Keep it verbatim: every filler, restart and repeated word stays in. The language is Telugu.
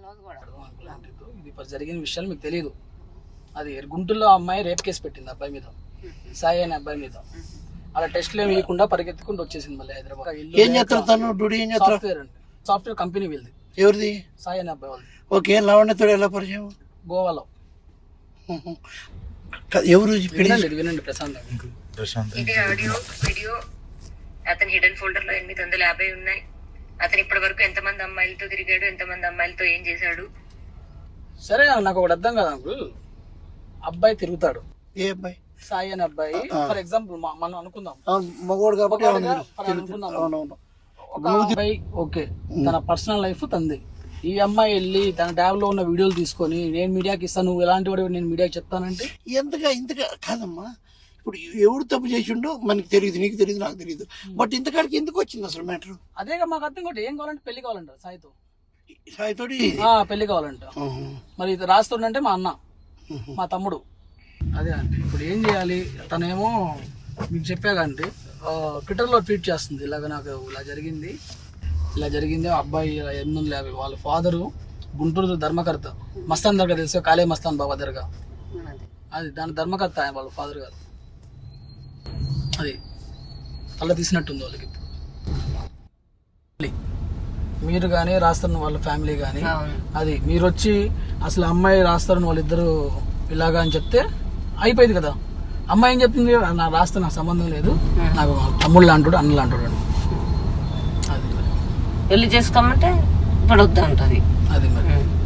ఇది ఇప్పుడు జరిగిన విషయాలు మీకు తెలియదు. అది గుంటూరులో అమ్మాయి రేప్ కేసు పెట్టింది అబ్బాయి మీద, సాయి అనే అబ్బాయి మీద. అలా టెస్ట్లు ఏమి ఇవ్వకుండా పరిగెత్తుకుంటూ వచ్చేసింది మళ్ళీ హైదరాబాద్. ఏం చేస్తారు తను? డ్యూటీ ఏం చేస్తారు? సాఫ్ట్వేర్ అండి, సాఫ్ట్వేర్ కంపెనీ వీళ్ళది. ఎవరిది? సాయి అనే అబ్బాయి వాళ్ళది. ఓకే, లావణ్యతో ఎలా పరిచయం? గోవాలో. ఎవరు? వినండి వినండి ప్రశాంత్. ఇది ఆడియో వీడియో అతని హిడెన్ ఫోల్డర్ లో ఎనిమిది వందల యాభై ఉన్నాయి. అతను ఇప్పటి వరకు ఎంతమంది అమ్మాయిలతో తిరిగాడు, ఎంతమంది అమ్మాయిలతో ఏం చేశాడు? సరే నాకు ఒకటి అర్థం కాదు అంకుల్. అబ్బాయి తిరుగుతాడు. ఏ అబ్బాయి? సాయి అనే అబ్బాయి. ఫర్ ఎగ్జాంపుల్ మనం అనుకుందాం మగోడు కాబట్టి అనుకుందాం. ఒక అబ్బాయి ఓకే, తన పర్సనల్ లైఫ్ తంది. ఈ అమ్మాయి వెళ్ళి తన ట్యాబ్ లో ఉన్న వీడియోలు తీసుకొని నేను మీడియాకి ఇస్తాను, నువ్వు ఎలాంటి వాడు నేను మీడియాకి చెప్తానంటే ఎంతగా ఇంతగా కాదమ్మా. ఇప్పుడు ఎవడు తప్పు చేసిండో మనకి తెలియదు, నీకు తెలియదు, నాకు తెలియదు. బట్ ఇంతకాడికి ఎందుకు వచ్చింది అసలు మ్యాటర్? అదే మాకు అర్థం కూడా. ఏం కావాలంటే పెళ్లి కావాలంట సాయితో. సాయితోటి పెళ్లి కావాలంట. మరి ఇది రాస్తుండంటే మా అన్న, మా తమ్ముడు. అదే అంటే ఇప్పుడు ఏం చేయాలి? తనేమో మీకు చెప్పాకంటే ట్విట్టర్లో ట్వీట్ చేస్తుంది, ఇలాగ నాకు ఇలా జరిగింది ఇలా జరిగింది అబ్బాయి ఎనిమిది వందల యాభై వాళ్ళ ఫాదరు గుంటూరు ధర్మకర్త, మస్తాన్ దర్గా తెలుసు, కాళే మస్తాన్ బాబా దర్గా, అది దాని ధర్మకర్త ఆయన వాళ్ళ ఫాదర్ గారు. అది తల తీసినట్టుంది వాళ్ళకి. మీరు కానీ రాస్తున్న వాళ్ళ ఫ్యామిలీ కానీ అది మీరు వచ్చి అసలు అమ్మాయి రాస్తారని వాళ్ళిద్దరు ఇలాగా అని చెప్తే అయిపోయింది కదా. అమ్మాయి ఏం చెప్తుంది? నా రాస్తే నాకు సంబంధం లేదు, నాకు తమ్ముళ్ళు అంటాడు అన్నలు అంటాడు అని. అది పెళ్లి చేసుకోమంటే ఇప్పుడు వద్దు అంటది. అది మరి